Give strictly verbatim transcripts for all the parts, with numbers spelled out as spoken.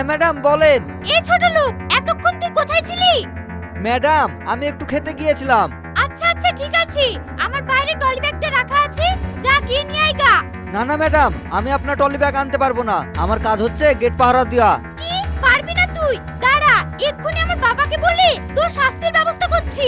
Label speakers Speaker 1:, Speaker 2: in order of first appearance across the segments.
Speaker 1: হ্যাঁ ম্যাডাম বলেন।
Speaker 2: এই ছোট লোক, এতক্ষণ তুই কোথায় ছিলি?
Speaker 1: ম্যাডাম আমি একটু খেতে গিয়েছিলাম।
Speaker 2: আচ্ছা আচ্ছা ঠিক আছে, আমার বাইরে টলি ব্যাগটা রাখা আছে, যা গিয়ে নিয়ে আইগা।
Speaker 1: না না ম্যাডাম, আমি আপনার টলি ব্যাগ আনতে পারবো না, আমার কাজ হচ্ছে গেট পাহারা দেওয়া।
Speaker 2: কি পারবি না তুই? দাঁড়া, এক্ষুনি আমার বাবাকে বলে তোর শাস্তির ব্যবস্থা করছি।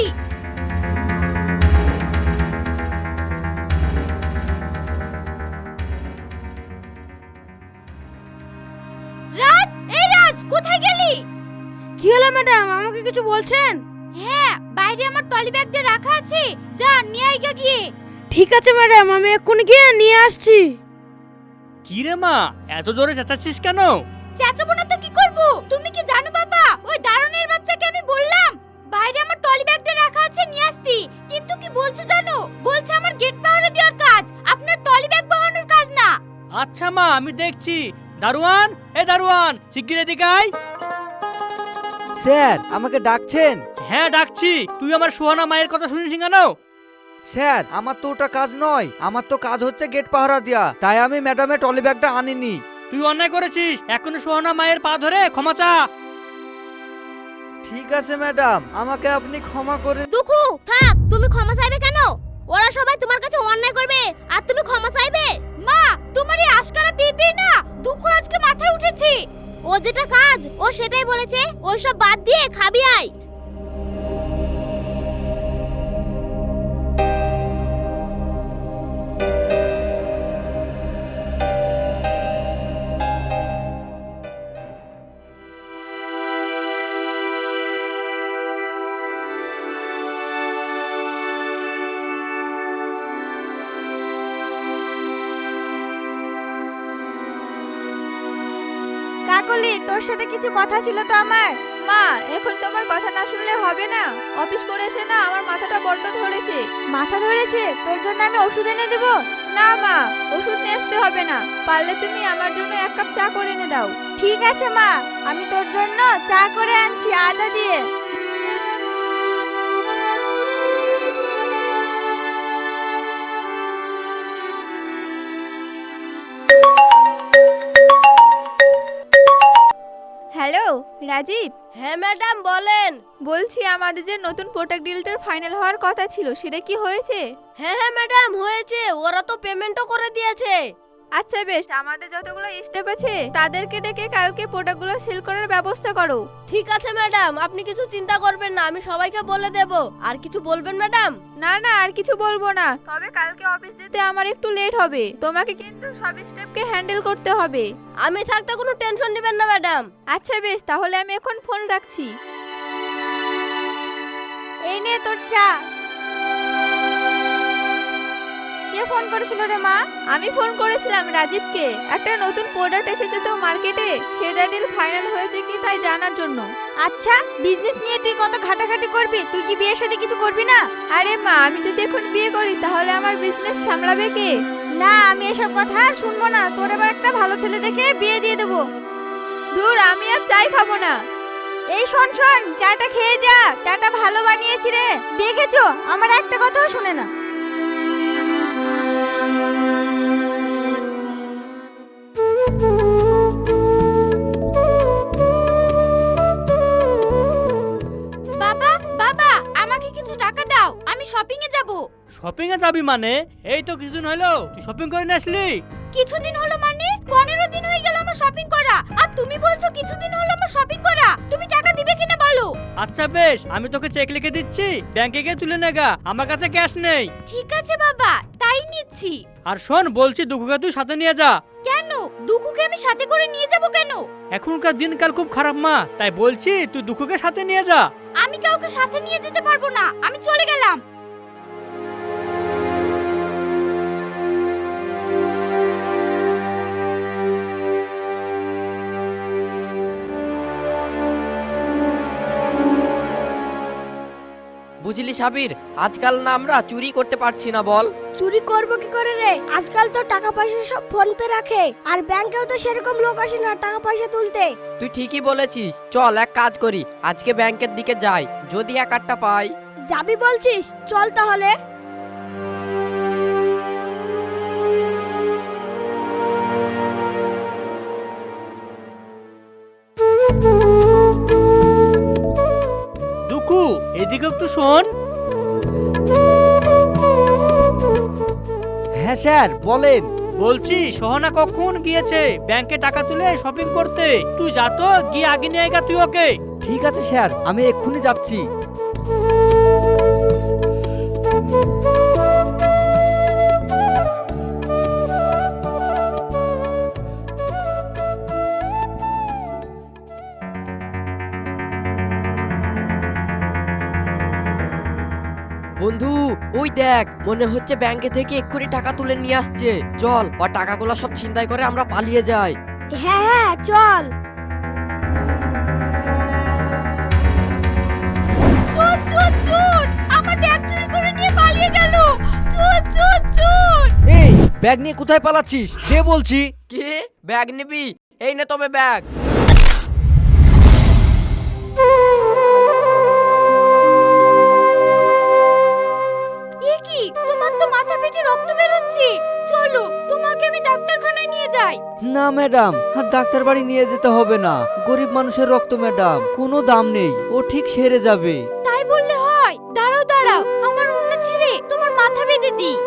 Speaker 2: রাজ, এই রাজ, কোথায় গেলি?
Speaker 3: কি হলো ম্যাডাম, আমাকে কিছু বলছেন?
Speaker 2: হ্যাঁ, বাইরে আমার টলি ব্যাগটা রাখা আছে, যা নিয়ে আইগা গিয়ে।
Speaker 3: ঠিক আছে ম্যাডাম, আমি এক্ষুনি গিয়ে নিয়ে আসছি।
Speaker 4: কি রে মা, এত জোরে চেঁচাচ্ছিস কেন?
Speaker 2: চেঁচাবো না তো কি করব? তুমি কি জানো বাবা, ওই দারোয়ানের বাচ্চাকে আমি বললাম বাইরে আমার টলি ব্যাগটা রাখা আছে নিয়ে আসতি, কিন্তু কি বলছে জানো? বলছে আমার গেট পাহারা দেওয়ার কাজ, আপনার টলি ব্যাগ বহানোর কাজ না।
Speaker 4: আচ্ছা মা, আমি দেখছি। দারোয়ান, এ দারোয়ান, শিগগির এদিকে আয়।
Speaker 1: স্যার আমাকে ডাকছেন?
Speaker 4: হ্যাঁ ডাকছি। তুই আমার সোহানা মায়ের কথা শুনিস কেন?
Speaker 1: স্যার আমার তো ওটা কাজ নয়, আমার তো কাজ হচ্ছে গেট পাহারা দেওয়া, তাই আমি ম্যাডামের টলি ব্যাগটা আনিনি।
Speaker 4: তুই অন্যায় করেছিস, এখনই সোহানা মায়ের পা ধরে ক্ষমা চা।
Speaker 1: ঠিক আছে ম্যাডাম, আমাকে আপনি ক্ষমা করে।
Speaker 2: দুখু থাক, তুমি ক্ষমা চাইবে কেন? ওরা সবাই তোমার কাছে অন্যায় করবে আর তুমি ক্ষমা চাইবে? মা, তোমার এই আশকারা পেপে না দুখু আজকে মাথায় উঠেছে। ও যেটা কাজ ও সেটাই বলেছে, ওই সব বাদ দিয়ে খাবি আয়।
Speaker 3: কাকলি, তোর সাথে কিছু কথা ছিল তো আমার। মা, এখন তোমার কথা না শুনলে হবে না। অফিস করে এসে না আমার মাথাটা বড্ড ধরেছে। মাথা ধরেছে? তোর জন্য আমি ওষুধ এনে দেব? না মা, ওষুধ নিয়ে আসতে হবে না, পারলে তুমি আমার জন্য এক কাপ চা করে এনে দাও। ঠিক আছে মা, আমি তোর জন্য চা করে আনছি আদা দিয়ে। হ্যালো রাজীব।
Speaker 2: হ্যাঁ ম্যাডাম বলেন।
Speaker 3: বলছি আমাদের যে নতুন প্রোডাক্ট ডিলটার ফাইনাল হওয়ার কথা ছিল, সেটা কি হয়েছে?
Speaker 2: হ্যাঁ হ্যাঁ ম্যাডাম হয়েছে, ওরা তো পেমেন্টও করে দিয়েছে।
Speaker 3: আচ্ছা বেশ, আমাদের যতগুলো স্টাফ আছে তাদেরকে ডেকে কালকে প্রোডাক্টগুলো সেল করার ব্যবস্থা করো।
Speaker 2: ঠিক আছে ম্যাডাম, আপনি কিছু চিন্তা করবেন না, আমি সবাইকে বলে দেব। আর কিছু বলবেন ম্যাডাম?
Speaker 3: না না, আর কিছু বলবো না, তবে কালকে অফিস যেতে আমার একটু লেট হবে, তোমাকে কিন্তু সব স্টাফকে হ্যান্ডেল করতে হবে।
Speaker 2: আমি থাকতে কোনো টেনশন নেবেন না ম্যাডাম।
Speaker 3: আচ্ছা বেশ, তাহলে আমি এখন ফোন রাখছি। এই নে তোর চা। কে ফোন করেছিল রে মা? আমি ফোন করেছিলাম রাজীবকে, একটা নতুন প্রোডাক্ট এসেছে তো মার্কেটে, সেটা ডিল ফাইনাল হয়েছে কি তাই জানার জন্য।
Speaker 2: আচ্ছা, বিজনেস নিয়ে তুই কত ঘাটাঘাটি করবি, তুই কি বিয়ের সাথে কিছু করবি না?
Speaker 3: আরে মা, আমি যদি এখন বিয়ে করি তাহলে আমার বিজনেস সামলাবে কে?
Speaker 2: না, আমি এসব কথা আর শুনবো না, তোর এবার একটা ভালো ছেলে দেখে বিয়ে দিয়ে দেবো।
Speaker 3: দূর, আমি আর চাই খাবো না।
Speaker 2: এই শোন শোন, চাটা খেয়ে যা, চাটা ভালো বানিয়েছি রে। দেখেছো, আমার একটা কথাও শুনে না। বাবা বাবা, আমাকে কিছু টাকা দাও, আমি শপিং এ যাব।
Speaker 4: শপিং এ যাবি মানে? এই তো কিছুদিন হলো তুই শপিং করে নিয়ে আসলি।
Speaker 2: কিছুদিন হলো মানে? পনেরো দিন হয়ে গেল আমার শপিং করা, আর তুমি বলছো কিছুদিন হলো আমার শপিং করা। তুমি টাকা দিবে কিনা বলো?
Speaker 4: আচ্ছা বেশ, আমি তোকে চেক লিখে দিচ্ছি, ব্যাংকে গিয়ে তুলে নেগা, আমার কাছে ক্যাশ নেই।
Speaker 2: ঠিক আছে বাবা, তাই নিচ্ছি।
Speaker 4: আর শোন, বলছি দুঃখকে তুই সাথে নিয়ে যা।
Speaker 2: কেন? দুঃখুকে আমি সাথে করে নিয়ে যাব কেন?
Speaker 4: এখনকার দিনকাল খুব খারাপ মা, তাই বলছি তুই দুঃখকে সাথে নিয়ে যা।
Speaker 2: আমি কাউকে সাথে নিয়ে যেতে পারবো না, আমি চলে গেলাম।
Speaker 5: বুঝলি সাবির, আজকাল না আমরা চুরি করতে পারছি না, বল।
Speaker 2: চুরি করব কি করে রে? আজকাল তো টাকা পয়সা সব ফোন পে রাখে, আর ব্যাংকেও তো সেরকম লোক আসে না টাকা পয়সা তুলতে।
Speaker 5: তুই ঠিকই বলেছিস, চল এক কাজ করি, আজকে ব্যাংকের দিকে যাই, যদি এক আটটা পাই।
Speaker 2: যাবি বলছিস? চল তাহলে।
Speaker 4: এদিকে একটু শোন।
Speaker 1: হ্যাঁ স্যার বলেন।
Speaker 4: বলছি সোহানা কখন গিয়েছে ব্যাংকে টাকা তুলে শপিং করতে? তুই যা তো, গিয়ে আগে নিয়ে আয় তুই ওকে।
Speaker 1: ঠিক আছে স্যার, আমি এক্ষুনি যাচ্ছি।
Speaker 5: বন্ধু ওই দেখ, মনে হচ্ছে ব্যাংকে থেকে এক্ষুনি টাকা তুলে নিয়ে আসছে। চল, ও টাকাগুলো সব ছিনতাই করে আমরা পালিয়ে যাই।
Speaker 2: হ্যাঁ হ্যাঁ চল। চোর চোর চোর, আমার ব্যাগ চুরি করে নিয়ে পালিয়ে গেল। চোর চোর চোর।
Speaker 1: এই ব্যাগ নিয়ে কোথায় পালাচ্ছিস? কে বলছি?
Speaker 5: কি ব্যাগ নিবি? এই নে তবে ব্যাগ।
Speaker 2: এ কি, তোমার তো মাথা ফেটে রক্ত বের হচ্ছে। চলো তোমাকে আমি ডাক্তারখানায় নিয়ে যাই।
Speaker 1: না ম্যাডাম, আর ডাক্তার বাড়ি নিয়ে যেতে হবে না। গরিব মানুষের রক্ত ম্যাডাম, কোনো দাম নেই, ও ঠিক সেরে যাবে।
Speaker 2: তাই বললে হয়? দাঁড়াও দাঁড়াও, আমার ওড়না ছেড়ে তোমার মাথা বেঁধে দিই।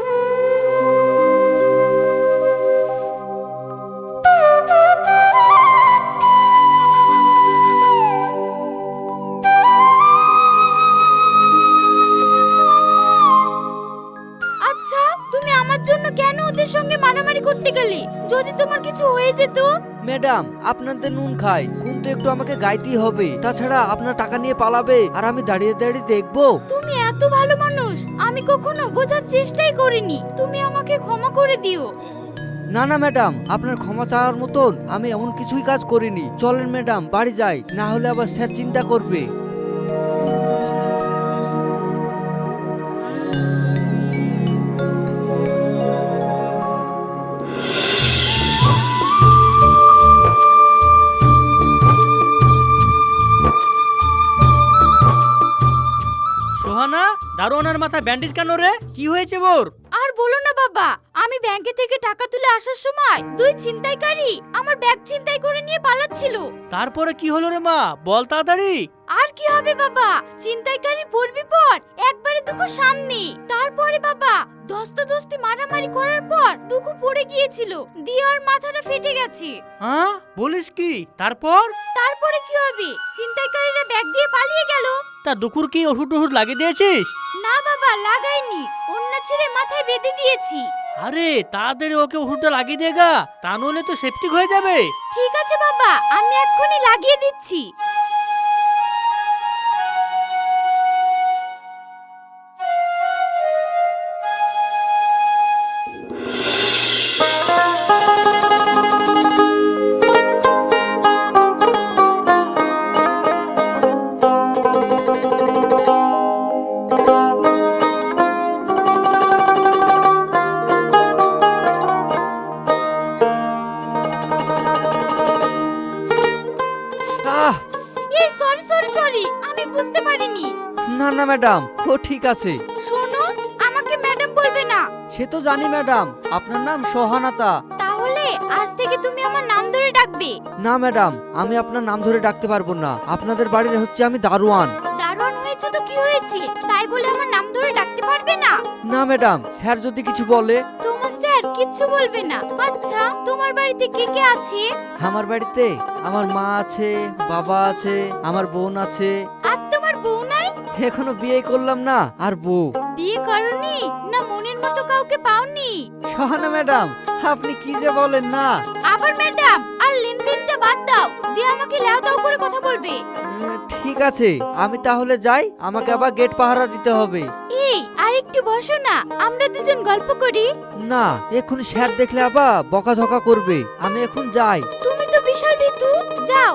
Speaker 2: আচ্ছা, তুমি আমার জন্য কেন ওদের সঙ্গে মারামারি করতে গেলে? যদি তোমার কিছু হয়ে যেত?
Speaker 1: ম্যাডাম, আপনাদের নুন খাই, কিন্তু একটু আমাকে গাইতেই হবে। তাছাড়া আপনার টাকা নিয়ে পালাবে আর আমি দাঁড়িয়ে দাঁড়িয়ে দেখবো?
Speaker 2: তুমি এত ভালো মানুষ, আমি কখনো বোঝার চেষ্টাই করিনি। তুমি আমাকে ক্ষমা করে দিও।
Speaker 1: না না ম্যাডাম, আপনার ক্ষমা চাওয়ার মতন আমি এমন কিছুই কাজ করিনি। চলেন ম্যাডাম, বাড়ি যাই, না হলে আবার স্যার চিন্তা করবে।
Speaker 4: সোহানা, দারোয়ানের মাথায় ব্যান্ডেজ কেন রে? কি হয়েছে ওর?
Speaker 2: আর বলো না বাবা, আমি ব্যাংকে থেকে টাকা তুলে আসার সময় দুই ছিনতাইকারী আমার ব্যাগ ছিনতাই করে নিয়ে পালাচ্ছিল।
Speaker 4: তারপরে কি হলো রে মা, বল তাড়াতাড়ি।
Speaker 2: আর কি হবে বাবা, ছিনতাইকারীর পড়বি পর একবারে দুঃখ সামনে। তারপরে বাবা ধস্তাধস্তি মারামারি করার পর দুঃখ পড়ে গিয়েছিল, দিয়ে ওর মাথাটা ফেটে গেছে।
Speaker 4: হ্যাঁ বলিস কি? তারপর?
Speaker 2: তারপরে কি হবে, ছিনতাইকারীরা ব্যাগ দিয়ে পালিয়ে গেল।
Speaker 4: তা দুকুর কি ওষুধ টষুধ লাগিয়ে দিয়েছিস?
Speaker 2: না বাবা লাগাইনি, অন্য ছেড়ে মাথায় বেঁধে দিয়েছি।
Speaker 4: আরে তাড়াতাড়ি ওকে ওষুধটা লাগিয়ে দে গা, তা নইলে তো সেপটিক হয়ে যাবে।
Speaker 2: ঠিক আছে বাবা, আমি এক্ষুনি লাগিয়ে দিচ্ছি।
Speaker 1: আহ,
Speaker 2: এই সরি সরি সরি, আমি বুঝতে পারিনি।
Speaker 1: না না ম্যাডাম, ও ঠিক আছে।
Speaker 2: শোনো, আমাকে ম্যাডাম বলবে না।
Speaker 1: সে তো জানি ম্যাডাম, আপনার নাম সোহানাতা।
Speaker 2: তাহলে আজ থেকে তুমি আমার নাম ধরে ডাকবে।
Speaker 1: না ম্যাডাম, আমি আপনার নাম ধরে ডাকতে পারবো না। আপনাদের বাড়ির হচ্ছে আমি দারোয়ান।
Speaker 2: দারুণ হয়েছে তো কি হয়েছে, তাই বলে আমার নাম ধরে ডাকতে পারবে না?
Speaker 1: না ম্যাডাম, স্যার যদি কিছু বলে?
Speaker 2: তোমার স্যার কিচ্ছু বলবে না। আচ্ছা, তোমার বাড়িতে কে কে আছে?
Speaker 1: আমার বাড়িতে আমার মা আছে, বাবা আছে, আমার বোন আছে।
Speaker 2: আর তোমার বউ নাই?
Speaker 1: এখনো বিয়ে করলাম না, আর বউ?
Speaker 2: বিয়ে করনি না মনের মতো কাউকে পাওনি?
Speaker 1: সোহানা ম্যাডাম, আপনি কি যে বলেন না।
Speaker 2: আবার ম্যাডাম আর লেনদেনটা বাদ দাও, দিয়ে আমাকে লেও দাও করে কথা বলবে।
Speaker 1: উম, ঠিক আছে, আমি তাহলে যাই, আমাকে আবার গেট পাহারা দিতে হবে।
Speaker 2: এই আর একটু বসো না, আমরা দুজন গল্প করি।
Speaker 1: না, এখন স্যার দেখলে আবার বকাঝকা করবে। আমি এখন যাই।
Speaker 2: তুমি তো বিশাল ভীতু, যাও।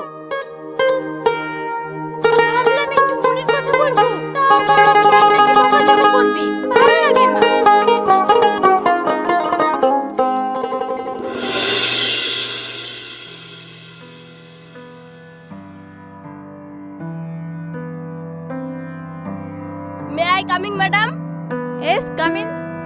Speaker 2: ভাবলাম একটু মনের কথা বলবো, তাও আমার স্যার নাকি বকাঝকা করবে, ভালো লাগে না।
Speaker 3: May I coming madam? Yes coming.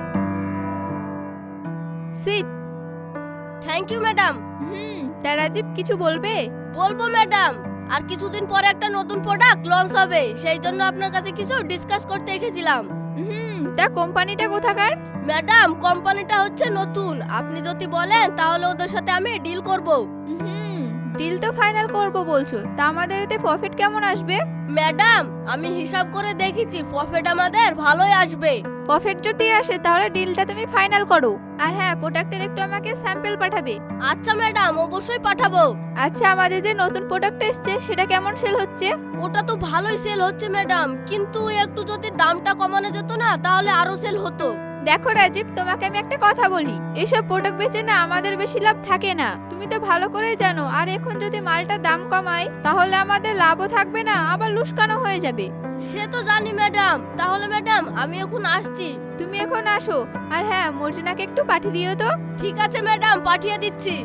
Speaker 3: Sit. Thank you madam. হুম, তা রাজীব কিছু বলবে? বলবো ম্যাডাম,
Speaker 2: আর কিছুদিন পরে একটা নতুন প্রোডাক্ট লঞ্চ হবে, সেই জন্য আপনার কাছে কিছু ডিসকাস করতে এসেছিলাম।
Speaker 3: হুম, তা কোম্পানিটা কোথাকার?
Speaker 2: ম্যাডাম, কোম্পানিটা হচ্ছে নতুন, আপনি যদি বলেন তাহলে ওদের সাথে আমি ডিল করব।
Speaker 3: হুম, ডিল তো ফাইনাল করব বলছো, তা আমাদের এতে প্রফিট কেমন আসবে?
Speaker 2: ম্যাডাম, আমি হিসাব করে দেখেছি প্রফিট আমাদের ভালোই আসবে।
Speaker 3: প্রফিট যদি আসে তাহলে ডিলটা তুমি ফাইনাল করো। আর হ্যাঁ, প্রোডাক্টের একটু আমাকে স্যাম্পল পাঠাবে।
Speaker 2: আচ্ছা ম্যাডাম, অবশ্যই পাঠাবো।
Speaker 3: আচ্ছা, আমাদের যে নতুন প্রোডাক্ট এসেছে সেটা কেমন সেল হচ্ছে?
Speaker 2: ওটা তো ভালোই সেল হচ্ছে ম্যাডাম, কিন্তু একটু যদি দামটা কমানো যেত না তাহলে আরো সেল হতো।
Speaker 3: দেখো রাজীব, তোমাকে আমি একটা কথা বলি, এইসব প্রোডাক্ট বেচে না আমাদের বেশি লাভ থাকে না, তুমি তো ভালো করেই জানো। আর এখন যদি মালটা দাম কমাই তাহলে আমাদের লাভও থাকবে না, আবার লুস্কানো হয়ে যাবে।
Speaker 2: সে তো জানি ম্যাডাম, তাহলে ম্যাডাম আমি এখন আসছি।
Speaker 3: তুমি এখন আসো, আর হ্যাঁ, মর্জিনাকে একটু পাঠিয়ে দিও তো।
Speaker 2: ঠিক আছে ম্যাডাম, পাঠিয়ে দিচ্ছি।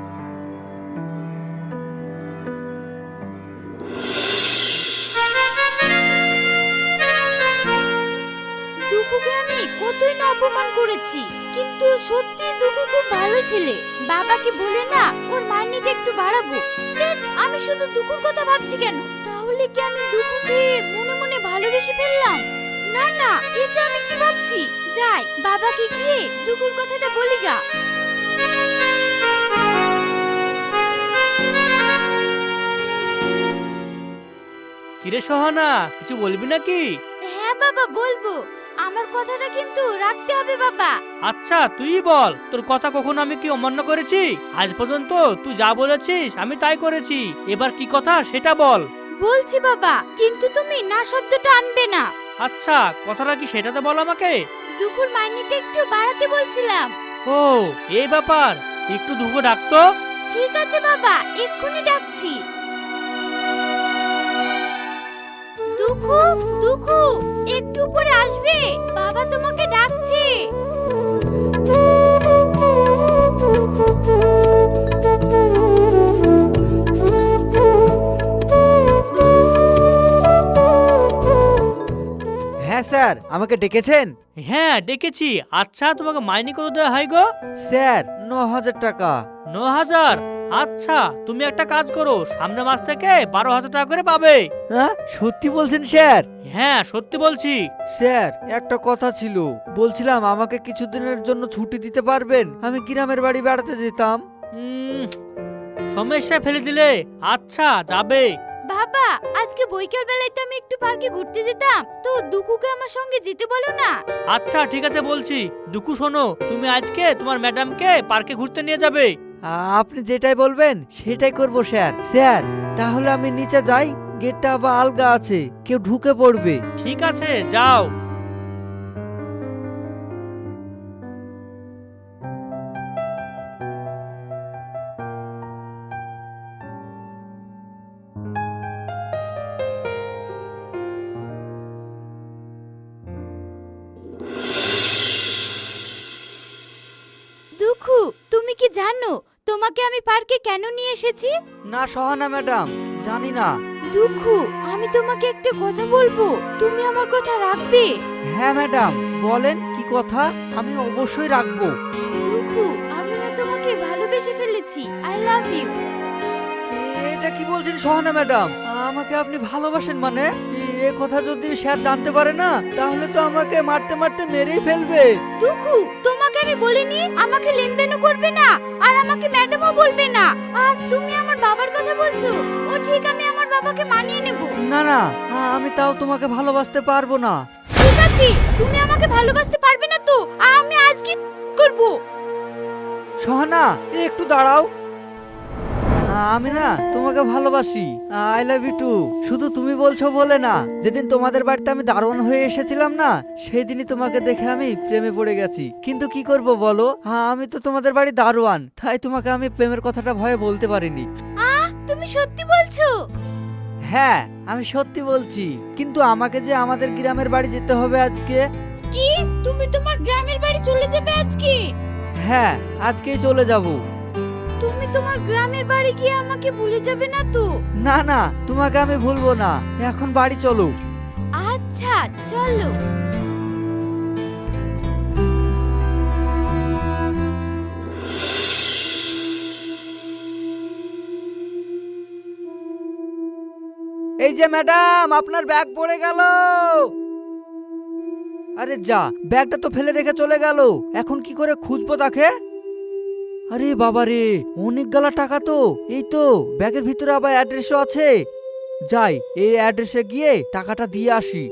Speaker 6: দুঃখুকে আমি কতই না অপমান করেছি, কিন্তু সত্যি দুঃখু খুব ভালো ছেলে। বাবাকে বলে না ওর মাইনেটা একটু বাড়াবো। ধ্যাৎ, আমি শুধু দুঃখুর কথা ভাবছি কেন? তাহলে কি আমি দুঃখুকে মনে মনে ভালোবেসে ফেললাম? না না, এটা আমি কি ভাবছি? যাই, বাবাকে গিয়ে দুঃখুর কথাটা বলি গা।
Speaker 4: কিরে সোহানা, কিছু বলবি নাকি?
Speaker 6: হ্যাঁ বাবা, বলবো। আমার কথাটা কিন্তু রাখতে হবে বাবা।
Speaker 4: আচ্ছা তুই বল, তোর কথা কখনো আমি কি অমান্য করেছি? আজ পর্যন্ত তুই যা বলেছিস আমি তাই করেছি, এবার কি কথা সেটা বল।
Speaker 6: বলছি বাবা, কিন্তু তুমি না শব্দটা আনবে না।
Speaker 4: আচ্ছা, কথাটা কি সেটা তো বল আমাকে।
Speaker 6: দুপুর মাইনেটা একটু বাড়াতে বলছিলাম।
Speaker 4: ও, এই ব্যাপার, একটু দুঃখ ডাকতো।
Speaker 6: ঠিক আছে বাবা, এক্ষুনি ডাকছি। দুঃখু, দুঃখু, একটু উপরে আসবে, বাবা তোমাকে ডাকছে।
Speaker 1: হ্যাঁ স্যার, আমাকে ডেকেছেন?
Speaker 4: হ্যাঁ ডেকেছি। আচ্ছা, তোমাকে মাইনে কত দেওয়া হয় গো?
Speaker 1: স্যার, ন হাজার টাকা।
Speaker 4: ন হাজার? আচ্ছা, তুমি একটা কাজ করো, সামনের মাস থেকে বারো হাজার টাকা করে পাবে।
Speaker 1: হ্যাঁ, সত্যি বলছেন স্যার?
Speaker 4: হ্যাঁ সত্যি বলছি।
Speaker 1: স্যার, একটা কথা ছিল, বলছিলাম আমাকে কিছুদিনের জন্য ছুটি দিতে পারবেন? আমি গ্রামের বাড়ি বেড়াতে যেতাম।
Speaker 4: উম, সমস্যা ফেলে দিলে। আচ্ছা, যাবে।
Speaker 6: বাবা, আজকে বৈকাল বেলায় তো আমি একটু পার্কে ঘুরতে যেতাম, তো দুকুকে আমার সঙ্গে যেতে বলো না।
Speaker 4: আচ্ছা ঠিক আছে, বলছি। দুকু শোনো, তুমি আজকে তোমার ম্যাডামকে পার্কে ঘুরতে নিয়ে যাবে।
Speaker 1: আপনি যেটাই বলবেন সেটাই করব স্যার। স্যার, তাহলে আমি নিচে যাই, গেটটা আবার আলগা আছে, কেউ ঢুকে পড়বে।
Speaker 4: ঠিক আছে, যাও।
Speaker 6: দুঃখু, তুমি কি জানো তোমাকে আমি পার্কে কেন নিয়ে এসেছি?
Speaker 1: না সহানা ম্যাডাম, জানি না।
Speaker 6: দুঃখু, আমি তোমাকে একটা কথা বলবো, তুমি আমার কথা রাখবে?
Speaker 1: হ্যাঁ ম্যাডাম, বলেন কি কথা, আমি অবশ্যই রাখবো।
Speaker 6: দুঃখু, আমি না তোমাকে ভালোবেসে ফেলেছি। I love you.
Speaker 1: এটা কি বলছেন সহানা ম্যাডাম? আমাকে আপনি ভালোবাসেন মানে? এ কথা যদি স্যার জানতে পারে না, তাহলে তো আমাকে মারতে মারতে মেরেই ফেলবে।
Speaker 6: দুঃখু, তোমাকে আমি বলিনি আমাকে লেনদেনও করবে না, আর আমাকে ম্যাডামও বলবে না। আর তুমি আমার বাবার কথা বলছো? ও ঠিক, আমি আমার বাবাকে মানিয়ে নেব।
Speaker 1: না না, আমি তাও তোমাকে ভালোবাসতে পারবো না।
Speaker 6: ঠিক আছে, তুমি আমাকে ভালোবাসতে পারবে না তো আমি আজ কি করব?
Speaker 1: সহানা, একটু দাঁড়াও। আমি না তোমাকে ভালোবাসি, আই লাভ ইউ টু। শুধু তুমি বলছো বলে না, যেদিন তোমাদের বাড়িতে আমি দারোয়ান হয়ে এসেছিলাম না, সেই দিনই তোমাকে দেখে আমি প্রেমে পড়ে গেছি। কিন্তু কি করব বলো, হ্যাঁ আমি তো তোমাদের বাড়ি দারোয়ান, তাই তোমাকে আমি প্রেমের কথাটা ভয়ে বলতে পারিনি।
Speaker 6: আহ, তুমি সত্যি বলছো?
Speaker 1: হ্যাঁ, আমি সত্যি বলছি, কিন্তু আমাকে যে আমাদের গ্রামের বাড়ি যেতে হবে আজকে।
Speaker 6: কি, তুমি তোমার গ্রামের বাড়ি চলে যাবে আজকে?
Speaker 1: হ্যাঁ, আজকেই চলে যাব।
Speaker 6: তুমি তোমার গ্রামের বাড়ি গিয়ে আমাকে ভুলে যাবে না তো?
Speaker 1: না না, তোমাকে আমি ভুলবো না, এখন বাড়ি চলো।
Speaker 6: আচ্ছা, চলো।
Speaker 1: এই যে ম্যাডাম, আপনার ব্যাগ পড়ে গেল। আরে যা, ব্যাগটা তো ফেলে রেখে চলে গেল, এখন কি করে খুঁজবো তাকে? আরে বাবা রে, অনেক গালা টাকা তো। এই তো ব্যাগের ভিতরে আবার অ্যাড্রেসও আছে। যাই, এই অ্যাড্রেসে গিয়ে টাকাটা দিয়ে আসি।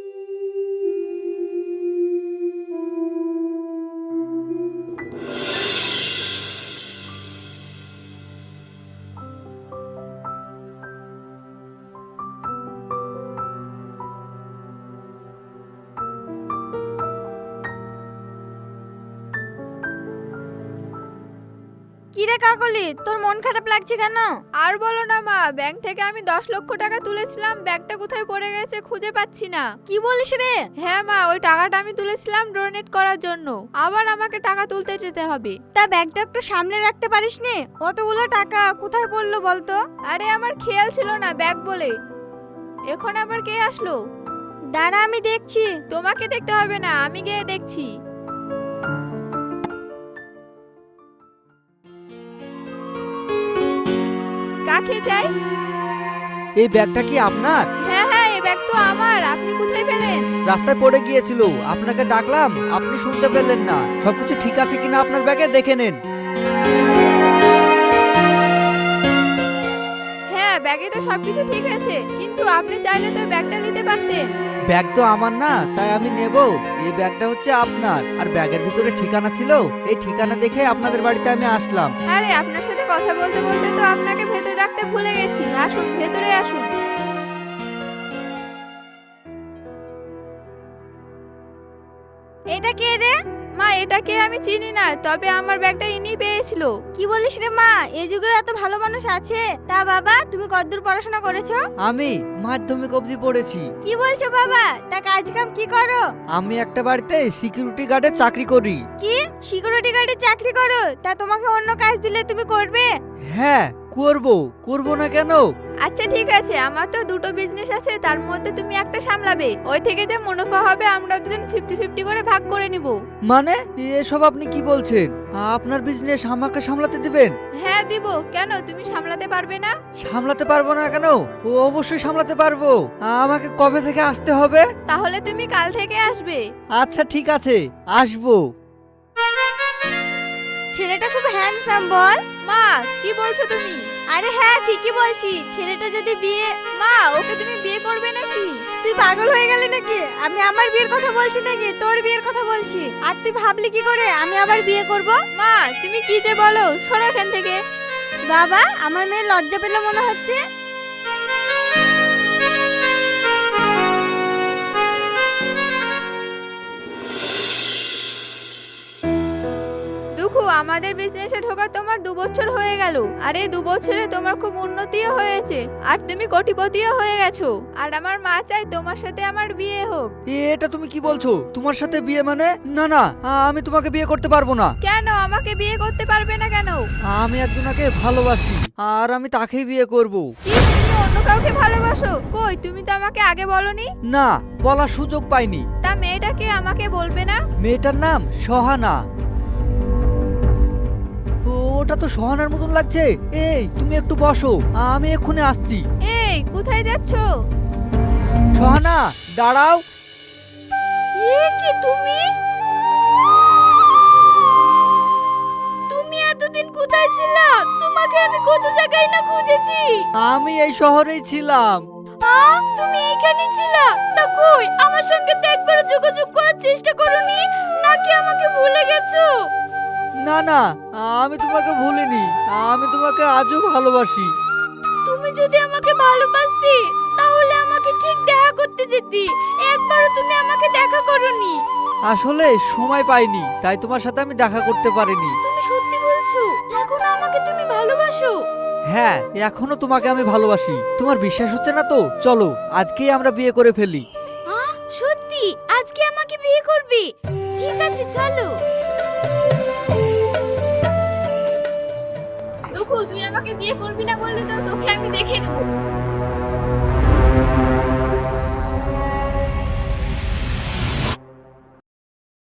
Speaker 3: কি রে কাকলি, তোর মন খারাপ লাগছে কেন? আর বলো না মা, ব্যাংক থেকে আমি দশ লক্ষ টাকা তুলেছিলাম, ব্যাগটা কোথায় পড়ে গেছে খুঁজে পাচ্ছি না।
Speaker 2: কি বলিস রে?
Speaker 3: হ্যাঁ মা, ওই টাকাটা আমি তুলেছিলাম ডোনেট করার জন্য, আবার আমাকে টাকা তুলতে যেতে হবে।
Speaker 2: তা ব্যাগটা একটু সামনে রাখতে পারিস নি? অতগুলো টাকা কোথায় পড়লো বলতো?
Speaker 3: আরে আমার খেয়াল ছিল না ব্যাগ বলে। এখন আবার কে আসলো?
Speaker 2: দাঁড়া, আমি দেখছি।
Speaker 3: তোমাকে দেখতে হবে না, আমি গিয়ে দেখছি। কাকে চাই?
Speaker 1: এই ব্যাগটা কি আপনার?
Speaker 3: হ্যাঁ হ্যাঁ, এই ব্যাগ তো আমার। আপনি কোথায় পেলেন?
Speaker 1: রাস্তায় পড়ে গিয়েছিল, আপনাকে ডাকলাম, আপনি শুনতে পেলেন না। সবকিছু ঠিক আছে কিনা আপনার ব্যাগে দেখে নেন।
Speaker 3: হ্যাঁ, ব্যাগে তো সবকিছু ঠিক আছে, কিন্তু আপনি চাইলে তো ব্যাগটা নিতে পারতেন।
Speaker 1: ব্যাগ তো আমার না, তাই আমি নেব। এই ব্যাগটা হচ্ছে আপনার, আর ব্যাগের ভিতরে ঠিকানা ছিল, এই ঠিকানা দেখে আপনাদের বাড়িতে আমি আসলাম।
Speaker 3: আরে আপনার সাথে কথা বলতে বলতে তো আপনাকে ভেতরে ডাকতে ভুলে গেছি। আসুন, ভেতরে আসুন।
Speaker 2: এটা কে রে?
Speaker 3: মা, এটাকে আমি চিনি না, তবে আমার ব্যাগটা ইনি পেয়েছিল।
Speaker 2: কি বলিস রে মা, এই যুগে এত ভালো মানুষ আছে? তা বাবা, তুমি কতদূর পড়াশোনা করেছো?
Speaker 1: আমি মাধ্যমিক অবধি পড়েছি।
Speaker 2: কি বলছো বাবা? তা কাজ কাম কি করো?
Speaker 1: আমি একটা বাড়িতে সিকিউরিটি গার্ডের চাকরি করি।
Speaker 2: কি সিকিউরিটি গার্ডে চাকরি করো? তা তোমাকে অন্য কাজ দিলে তুমি করবে?
Speaker 1: হ্যাঁ, করব, করব না কেন?
Speaker 3: আচ্ছা ঠিক আছে, আমার তো দুটো বিজনেস আছে, তার মধ্যে তুমি একটা সামলাবে। ওই থেকে যে মুনাফা হবে আমরা দুজন ফিফটি ফিফটি করে ভাগ করে নিব।
Speaker 1: মানে এসব আপনি কি বলছেন? আপনার বিজনেস আমাকে সামলাতে দিবেন?
Speaker 3: হ্যাঁ দিব। কেন, তুমি সামলাতে পারবে না?
Speaker 1: সামলাতে পারবো না কেন? ও অবশ্যই সামলাতে পারবো। আমাকে কবে থেকে আসতে হবে?
Speaker 3: তাহলে তুমি কাল থেকে আসবে।
Speaker 1: আচ্ছা ঠিক আছে, আসবো।
Speaker 2: ছেলেটা খুব হ্যান্ডসাম বল।
Speaker 3: মা, কি বলছো তুমি?
Speaker 2: আরে হ্যাঁ, ঠিকই বলছি। ছেলেটা যদি বিয়ে...
Speaker 3: মা, ওকে তুমি বিয়ে করবে নাকি?
Speaker 2: তুই পাগল হয়ে গেলি নাকি? আমি আমার বিয়ের কথা বলছি নাকি তোর বিয়ের কথা বলছি? আর তুই ভাবলি কি করে আমি আবার বিয়ে করব?
Speaker 3: মা, তুমি কি যে বলো, সরো এখান থেকে।
Speaker 2: বাবা, আমার মেয়ে লজ্জা পেলে মনে হচ্ছে।
Speaker 3: দুঃখু, আমাদের বিজনেসে ঢোকা তোমার দু বছর হয়ে গেল, আর এই দু বছরে তোমার খুব উন্নতিও হয়েছে, আর তুমি কোটিপতিও হয়ে গেছো। আর আমার মা চাই তোমার সাথে আমার বিয়ে হোক।
Speaker 1: এটা তুমি কি বলছো? তোমার সাথে বিয়ে মানে? না না, আমি তোমাকে বিয়ে করতে পারবো না।
Speaker 3: কেন আমাকে বিয়ে করতে পারবে না কেন?
Speaker 1: আমি একজনকে ভালোবাসি, আর আমি তাকেই বিয়ে করব।
Speaker 3: কি, তুমি অন্য কাউকে ভালোবাসো? কই, তুমি তো আমাকে আগে বলনি।
Speaker 1: না, বলার সুযোগ পাইনি।
Speaker 3: তা মেয়েটাকে আমাকে বলবে না?
Speaker 1: মেয়েটার নাম সহানা। ও, ওটা তো সহানার মতন লাগছে। এই তুমি একটু বসো, আমি এক্ষুনি আসছি।
Speaker 3: এই, কোথায় যাচ্ছো?
Speaker 1: সহানা, দাঁড়াও।
Speaker 2: এ কি তুমি? তুমি এতদিন কোথায় ছিলা? তোমাকে আমি কত জায়গায় না খুঁজেছি।
Speaker 1: আমি এই শহরেই ছিলাম।
Speaker 2: আ, তুমি এইখানে ছিলা? তা কই, আমার সঙ্গে তো একবার যোগাযোগ করার চেষ্টা করোনি? নাকি আমাকে ভুলে গেছো?
Speaker 1: না না, আমি তোমাকে ভুলিনি, আমি তোমাকে আজও ভালোবাসি।
Speaker 2: তুমি যদি আমাকে ভালোবাসতে তাহলে আমাকে ঠিক দেখা করতে যেতি। একবারও তুমি আমাকে দেখা করোনি।
Speaker 1: আসলে সময় পাইনি, তাই তোমার সাথে আমি দেখা করতে পারিনি।
Speaker 2: তুমি সত্যি বলছো? এখন আমাকে তুমি ভালোবাসো?
Speaker 1: হ্যাঁ, এখনো তোমাকে আমি ভালোবাসি। তোমার বিশ্বাস হচ্ছে না তো? চলো আজকেই আমরা বিয়ে করে ফেলি।
Speaker 2: আ, সত্যি আজকে আমাকে বিয়ে করবি? ঠিক আছে, চলো।
Speaker 3: দুঃখু, তুই আমাকে বিয়ে করবি না বললি তো তোকে আমি দেখে নেবো।